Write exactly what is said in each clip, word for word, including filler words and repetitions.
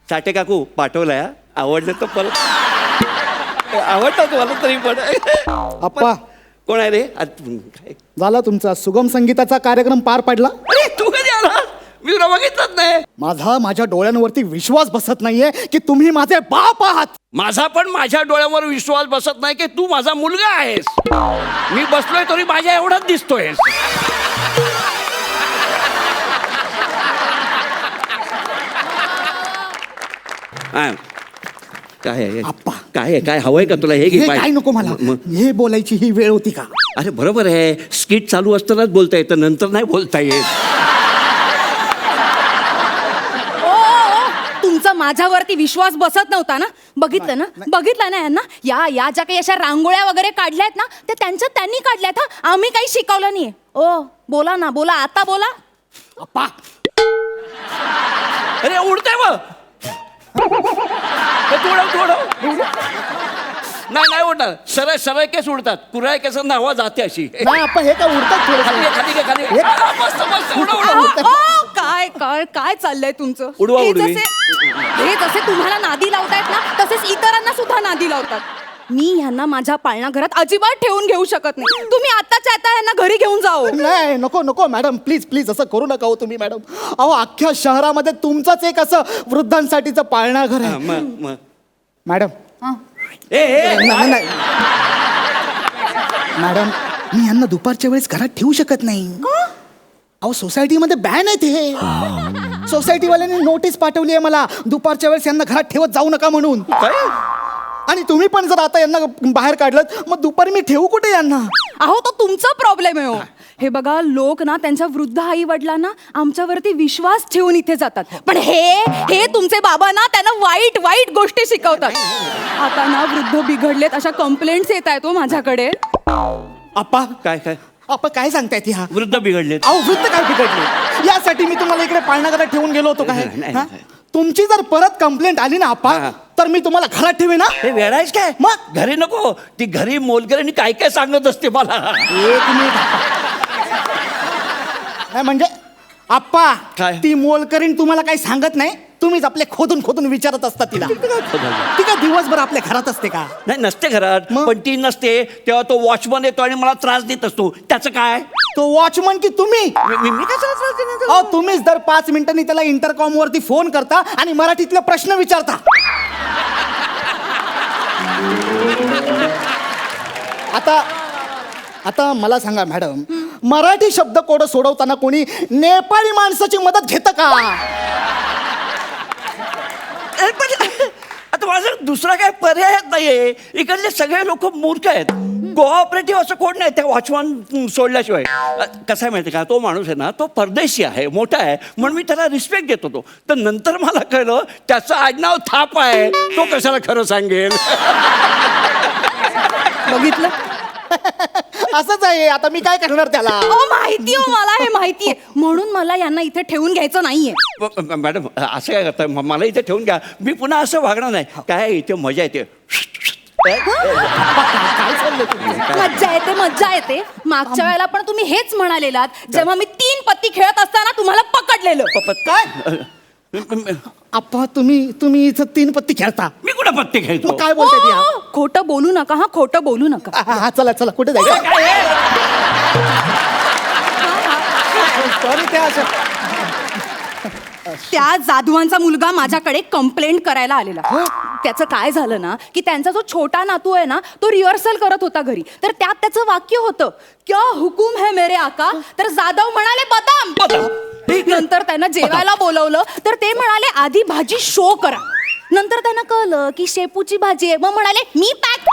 साठे काकू पाठवलाय हा. आवडलं तर परत आवडतं तुम्हाला तरी पण आप्पा कोण आहे रे आज काय झाला तुमचा सुगम संगीताचा कार्यक्रम पार पडला. अरे तू कधी आला मी तुला बघितलंच नाही. माझा माझ्या डोळ्यांवरती विश्वास बसत नाहीये की तुम्ही माझे बाप आहात. माझा पण माझ्या डोळ्यावर विश्वास बसत नाही की तू माझा मुलगा आहेस. मी बसलोय तरी माझ्या एवढाच दिसतोयस. हा. काय आहे आप्पा. काय आहे काय हवंय का तुला हे घे हे पाय. काय नको मला मग हे बोलायची ही वेळ होती का. अरे बरोबर आहे स्किट चालू असतानाच बोलता येतं नंतर नाही बोलता येत. ओ, ओ, तुमचा माझ्यावरती विश्वास बसत नव्हता ना. बघितलं ना बघितलं ना यांना या या ज्या काही अशा रांगोळ्या वगैरे काढल्यात ना ते त्यांच्या त्यांनी काढल्यात हा. आम्ही काही शिकवलं नाहीये. ओ बोला ना बोला आता बोला. आप्पा अरे उडतंय मग थोडं थोडं नाही नाही उडणार. सरळ सरळ केस उडतात. कुऱ्हाळ केसांना हवा जाते अशी. नाही आप्पा हे काय उडतात खाली थोडं घे, खाली घे, खाली घे. हे- आ, मस्त मस्त उडव आ, उडव. आ, काय काय काय चाललंय तुमचं. उडवा हे उडवी. जसे हे जसे तुम्हाला नादी लावतायत ना तसेच इतरांना सुद्धा नादी लावतात. मी ह्यांना माझ्या पाळणाघरात अजिबात ठेवून घेऊ शकत नाही. तुम्ही आताच्या आता यांना घरी घेऊन जाओ. नाही नको नको मॅडम प्लीज प्लीज असं करू नका हो तुम्ही मॅडम. अहो अख्ख्या शहरामध्ये तुमचंच एक असं वृद्धांसाठीचं पाळणाघर हा, आहे मग मग मॅडम. ए ए नाही नाही. मॅडम मी यांना दुपारच्या वेळेस घरात ठेवू शकत नाही. अहो सोसायटीमध्ये बॅन आहे ते. सोसायटीवाल्यांनी नोटीस पाठवली आहे मला दुपारच्या वेळेस यांना घरात ठेवत जाऊ नका म्हणून. काय आणि तुम्ही पण जर आता यांना बाहेर काढलं मग दुपारी मी ठेवू कुठे यांना. अहो तो तुमचा प्रॉब्लेम आहे हो. हे बघा लोक ना त्यांच्या वृद्ध आई वडिलांना आमच्यावरती विश्वास ठेवून इथे जातात पण हे हे तुमचे बाबा ना त्यांना वाईट वाईट गोष्टी शिकवतात. आता ना वृद्ध बिघडलेत अशा कंप्लेंट्स येत आहेत हो माझ्याकडे. आप्पा काय काय आप्पा काय सांगतायत ह्या. वृद्ध बिघडले. अहो वृद्ध काय बिघडले यासाठी मी तुम्हाला इकडे पाळणाघरात ठेवून गेलो होतो काय. नाही, नाही, हा? नाही. तुमची जर परत कंप्लेंट आली ना आप्पा हा. तर मी तुम्हाला घरात ठेवे ना. हे वेळायच काय मग? घरी नको. ती घरी मोलकरीणी काय काय सांगत असते मला. एक मिनिट नाही म्हणजे आप्पा काय? ती मोलकरीण तुम्हाला काही सांगत नाही. तुम्हीच आपले खोदून खोदून विचारत असता तिला. ती काय दिवसभर आपल्या घरात असते का. नाही नसते घरात मग? पण ती नसते तेव्हा तो वॉचमन येतो आणि मला त्रास देत असतो. त्याचं काय तो वॉचमन की तुम्ही. मी- मी मी कशाला त्रास देणार त्याला? अहो तुम्हीच दर पाच मिनिटांनी त्याला इंटरकॉम वरती फोन करता आणि मराठीतले प्रश्न विचारता. आता आता मला सांगा मॅडम मराठी शब्द कोड सोडवताना कोणी नेपाळी माणसाची मदत घेतं का. अरे पण आता माझा दुसरा काय पर्याय नाहीये. इकडले सगळे लोक मूर्ख आहेत. कोऑपरेटिव्ह असं कोण नाही त्या वॉचमन सोडल्याशिवाय. अ, कसं आहे माहिती का तो माणूस आहे ना तो परदेशी आहे मोठा आहे म्हणून मी त्याला रिस्पेक्ट देत होतो. तर नंतर मला कळलं त्याचं आडनाव थाप आहे. तो कशाला खरं सांगेल. बघितलं असंच आहे. आता मी काय करणार त्याला. अहो माहिती हो मला हे माहितीये म्हणून मला यांना इथे ठेवून घ्यायचं नाहीये. म- म- मॅडम असं काय करताय म- मला इथे ठेवून घ्या. मी पुन्हा असं वागणार नाही. काय इथे मजा येते. काय चाललंय तुमचं? मज्जा येते मज्जा येते. मागच्या वेळेला पण तुम्ही हेच म्हणालेलात जेव्हा मी तीन पत्ती खेळत असताना तुम्हाला पकडलेलं. प- काय आप्पा तुम्ही तुम्ही इथं तीन पत्ती खेळता. मी कुठं पत्ते खेळतो. मग काय बोलताय ती, हा? ओ, खोटं बोलू नका हा खोटं बोलू नका. हा, हा, चला चला कुठे जायचं. काय आहे? Sorry, त्या अशा- त्या जाधवांचा मुलगा माझ्याकडे कंप्लेंट करायला आलेला. त्याचं काय झालं ना की त्यांचा जो छोटा नातू आहे ना तो रिहर्सल करत होता घरी. तर त्यात त्याचं वाक्य होतं क्या हुकुम है मेरे आका. तर जाधव म्हणाले बदाम बदाम. नंतर त्यांना जेवायला बोलवलं तर ते म्हणाले आधी भाजी शो करा. नंतर त्यांना कळलं की शेपूची भाजी आहे मग म्हणाले मी पॅक.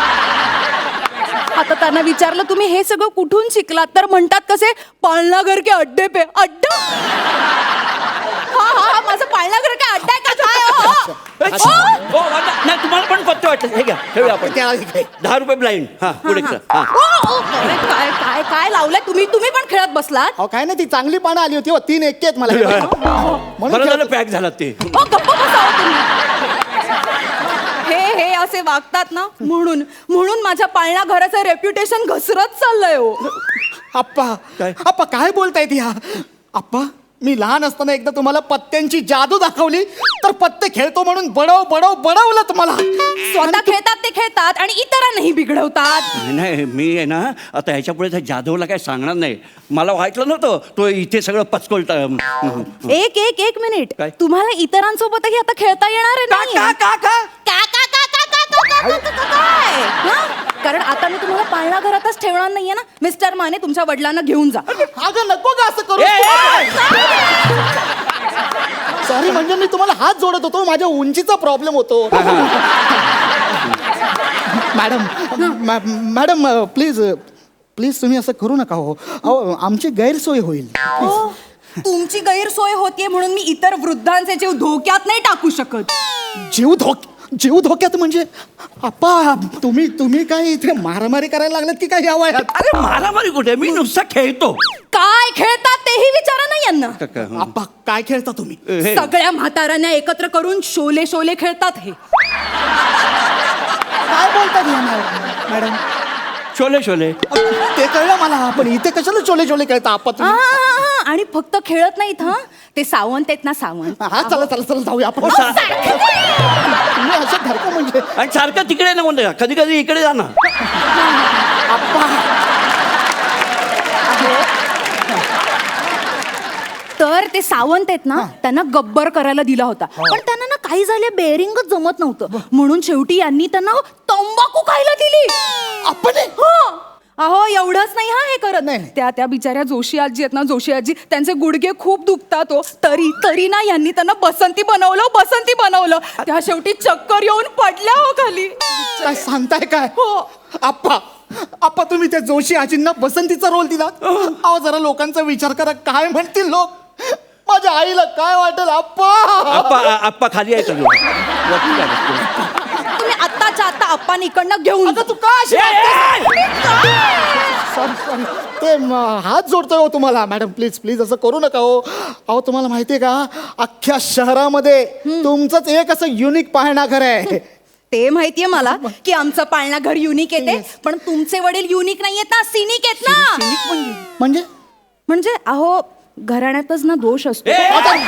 आता त्यांना विचारलं तुम्ही हे सगळं कुठून शिकलात तर म्हणतात कसे पाळणाघर के अड्डे पे अड्डा. हा हा हा माझं पाळणाघर काय अड्डा आहे का काय हो? हो, आता- नाही तुम्हाला पण पत्ते वाटत. हे घ्या ठेवूया आपण. त्या इकडे. दहा रुपये ब्लाइंड. हा पुढे चला. हा. ओ, ओ, अरे, काय काय काय लावलंय तुम्ही तुम्ही पण खेळत बसलात. अहो काय नाही ती चांगली पानं आली होती हो. तीन एक्के आहेत मला म्हणून बरं झालं खेळतो. पॅक झाला ते. ओ गप्प बसावं तुम्ही. हे हे असे वागतात ना म्हणून म्हणून माझ्या पाळणा घराचं रेप्युटेशन घसरत चाललंय हो. आप्पा काय? आप्पा काय बोलतायत ह्या. आप्पा मी लहान असताना एकदा तुम्हाला पत्त्यांची जादू दाखवली तर पत्ते खेळतो म्हणून बडव बडव बडवलं तुम्हाला. स्वतः खेळतात ते खेळतात आणि इतरांनाही बिघडवतात. नाही नाही मी आहे ना आता ह्याच्या पुढे त्या जाधवला काय सांगणार नाही. मला वाटलं नव्हतं तो इथे सगळं पचकोलता. एक एक एक मिनिट, काय? तुम्हाला इतरांसोबतही आता खेळता येणार आहे का नाही? का का का का का का का का का का का का काय? हं? कारण आता मी तुम्हाला पाळणा घरातच ठेवणार नाहीये ना. मिस्टर माने तुमच्या वडिलांना घेऊन जा. अगं नको का असं करू. ए, ए, सॉरी म्हणजे मी तुम्हाला हात जोडत होतो, माझ्या उंचीचा प्रॉब्लेम होतो. मॅडम मॅ- मॅडम प्लीज प्लीज तुम्ही असं करू नका हो. अहो आमची गैरसोय होईल. हो, तुमची गैरसोय होतीये म्हणून मी इतर वृद्धांचे जीव धोक्यात नाही टाकू शकत. जीव धोक जीव धोक्यात म्हणजे अप्पा तुम्ही तुम्ही काय इथे मारामारी करायला लागलेत की काय या वयात? अरे मारामारी कुठे, मी नुसता खेळतो. काय खेळतात तेही विचारा ना यांना. का- का- हं. अप्पा काय खेळता तुम्ही? हे. सगळ्या म्हाताऱ्यांना एकत्र करून शोले शोले खेळतात हे. काय बोलतात या मॅ- मॅडम? शोले शोले ते कळलं मला, पण इथे कशाला चोले चोले खेळता अप्पा हा, तुम्ही? हा, हा. आणि फक्त खेळत नाहीत हा, ते सावंत आहेत ना सावंत. हा चला चला चला जाऊया आपण. हो, सा- तुम्ही असं धरका म्हणजे आणि सारखं तिकडे ना म्हणते कधी कधी इकडे जा ना. तर ते सावंत आहेत ना, त्यांना गब्बर करायला दिला होता, पण त्यांना ना काही झाले बेरिंगच जमत नव्हतं, म्हणून शेवटी यांनी त्यांना तंबाखू खायला दिली. आपण हं. अहो एवढंच नाही हा हे करत नाही. त्या त्या बिचाऱ्या जोशी आजी आहेत ना, जोशी आजी त्यांचे गुडघे खूप दुखतात हो, तरी तरी ना यांनी त्यांना बसंती बनवलं बसंती बनवलं त्या शेवटी चक्कर येऊन पडल्या हो खाली. काय सांगताय काय? हो. आप्पा आप्पा तुम्ही त्या जोशी आजींना बसंतीचा रोल दिला. अहो जरा लोकांचा विचार करा, काय म्हणतील लोक, माझ्या आईला काय वाटेल. आप्पा आप्पा आप्पा खाली आहे का तू? वरती काय बसतो? तुम्ही आत्ताच्या आत्ता अप्पानी इकडनं घेऊन आता तू का अशी ए, ए, ए! सॉरी सॉरी ते म, हात जोडतोय हो तुम्हाला. मॅडम प्लीज प्लीज असं करू नका हो. अहो तुम्हाला माहितीये का अख्ख्या शहरामध्ये तुमचंच एक असं युनिक पाहणाघर आहे. ते माहितीये मला की आमचं पाळणा घर युनिक येते, पण तुमचे वडील युनिक नाही आहेत ना, सिनिक आहेत ना. म्हणजे म्हणजे अहो घराण्यातच ना दोष असतो. ए,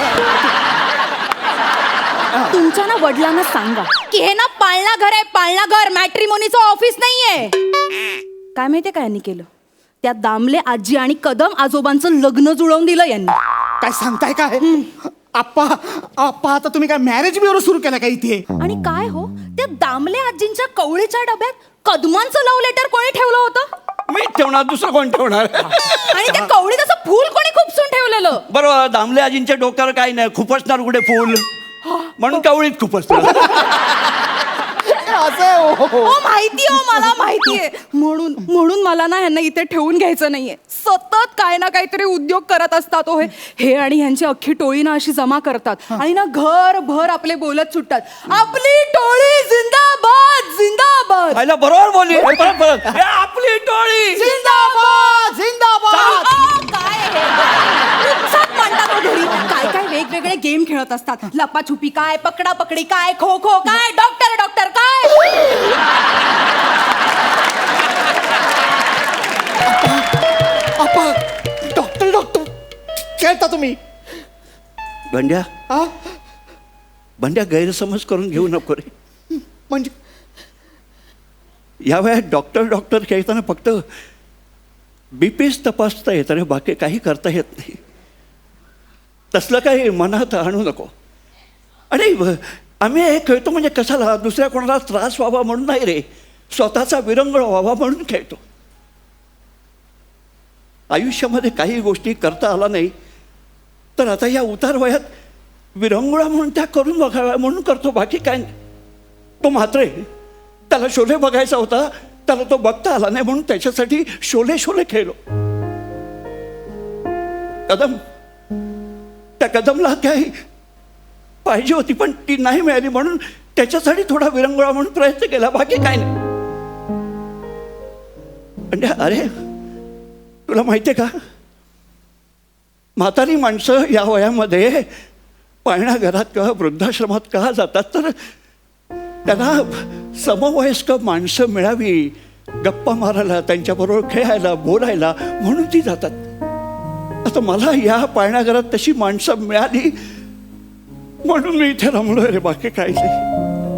तुमच्या ना वडिलांना सांगा की हे ना पाळणा घर आहे, पाळणा घर, मॅट्रिमोनीचं ऑफिस नाहीये. काय माहितीये काय यांनी केलं, त्या दामले आजी आणि कदम आजोबांचं लग्न जुळवून दिलं यांनी. काय सांगताय काय? आप्पा आप्पा आता तुम्ही काय मॅरेज ब्युरो सुरू केला का इथे? आणि काय हो, त्या दामले आजींच्या कवळीच्या डब्यात कदमांचं लव्ह लेटर कोणी ठेवलं होतं? मी ठेवणार, दुसरं कोण ठेवणार? आणि त्या कवळीत असं फूल कोणी खुपसून ठेवलेलं? बरोबर, दामले आजींच्या डोक्यावर काही नाही, खुपसणार कुठे फुल, म्हणून कवळीत खुपसणार. असं आहे, हो, हो. हो माहितीये हो, मला माहितीये. म्हणून म्हणून मला ना ह्यांना इथे ठेवून घ्यायचं नाहीये. सतत काय ना काहीतरी उद्योग करत असतात हो हे हे आणि ह्यांची अख्खी टोळी ना अशी जमा करतात आणि ना घरभर आपले बोलत सुटतात, आपली टोळी जिंदाबाद जिंदाबाद. पाहिलं बरोबर बोलली. हे परत परत हे आपली टोळी. जिंदाबाद जिंदाबाद. अहो, काय हे? उत्साहात मांडतात हो घरी. काय काय वेगवेगळे गेम खेळत असतात, लपाछुपी काय, पकडा पकडी काय, खो खो काय, डॉक्टर डॉक्टर काय. आप्पा डॉक्टर डॉक्टर खेळता तुम्ही? बंड्या हा बंड्या गैरसमज करून घेऊ नको रे. म्हणजे या वयात डॉक्टर डॉक्टर खेळताना फक्त बीपीच तपासता येतं रे, बाकी काही करता येत नाही. तसलं काही मनात आणू नको. आणि व- आम्ही हे खेळतो म्हणजे कशाला, दुसऱ्या कोणाला त्रास व्हावा म्हणून नाही रे, स्वतःचा विरंगुळा व्हावा म्हणून खेळतो. आयुष्यामध्ये काही गोष्टी करता आला नाही तर आता या उतार वयात विरंगुळा म्हणून त्या करून बघाव्या म्हणून करतो, बाकी काय नाही. तो मात्र त्याला शोले बघायचा होता, त्याला तो बघता आला नाही म्हणून त्याच्यासाठी शोले शोले खेळलो. कदम त्या कदमला काही पाहिजे होती पण ती नाही मिळाली म्हणून त्याच्यासाठी थोडा विरंगुळा म्हणून प्रयत्न केला, बाकी काय नाही. म्हणजे अरे तुला माहितीये का, म्हातारी माणसं या वयामध्ये पाळणाघरात किंवा वृद्धाश्रमात का जातात तर त्यांना समवयस्क माणसं मिळावी, गप्पा मारायला, त्यांच्याबरोबर खेळायला, बोलायला म्हणून ती जातात. आता मला या पाळण्याघरात तशी माणसं मिळाली म्हणून मी इथे रमलोय रे, बाकी काही नाही.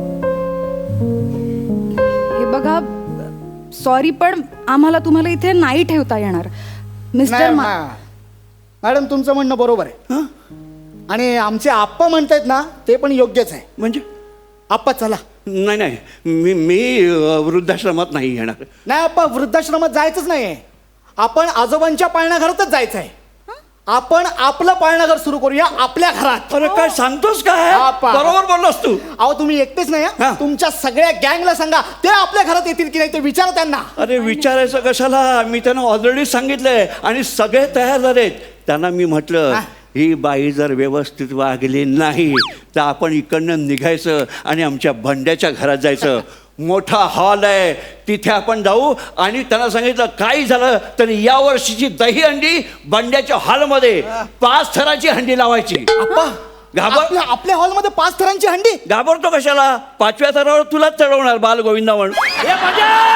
हे बघा, सॉरी पण आम्हाला तुम्हाला इथे नाही ठेवता येणार मिस्टर नाही, मा- मा- मॅडम तुमचं म्हणणं बरोबर आहे. हं? आणि आमचे आप्पा म्हणतायत ना ते पण योग्यच आहे. म्हणजे आप्पा चला. नाही नाही मी मी अं, वृद्धाश्रमात नाही येणार. नाही आप्पा, वृद्धाश्रमात जायचंच नाहीये. आपण आजोबांच्या पाळण्याघरातच जायचंय. आपण आपलं पाळणाघर सुरू करूया आपल्या घरात. अरे काय सांगतोस काय? बापा. बरोबर बोललास तू. अहो तुम्ही एकटेच नाही हा. हं? तुमच्या सगळ्या गँगला सांगा, ते आपल्या घरात येतील की नाही ते विचारा त्यांना. अरे विचारायचं कशाला, मी त्यांना ऑलरेडी सांगितलंय आणि सगळे तयार झालेत. त्यांना मी म्हटलं हा. ही बाई जर व्यवस्थित वागली नाही तर आपण इकडनं निघायचं आणि आमच्या भंड्याच्या घरात जायचं. मोठा हॉल आहे, तिथे आपण जाऊ. आणि त्यांना सांगितलं काही झालं तर या वर्षीची दही हंडी बंड्याच्या हॉलमध्ये पाच थराची हंडी लावायची. आप्पा, घाबर आपल्या आपल्या हॉलमध्ये पाच थरांची हंडी. घाबरतो कशाला? पाचव्या थरावर तुलाच चढवणार बाल गोविंदा म्हणून. ए, बंड्या!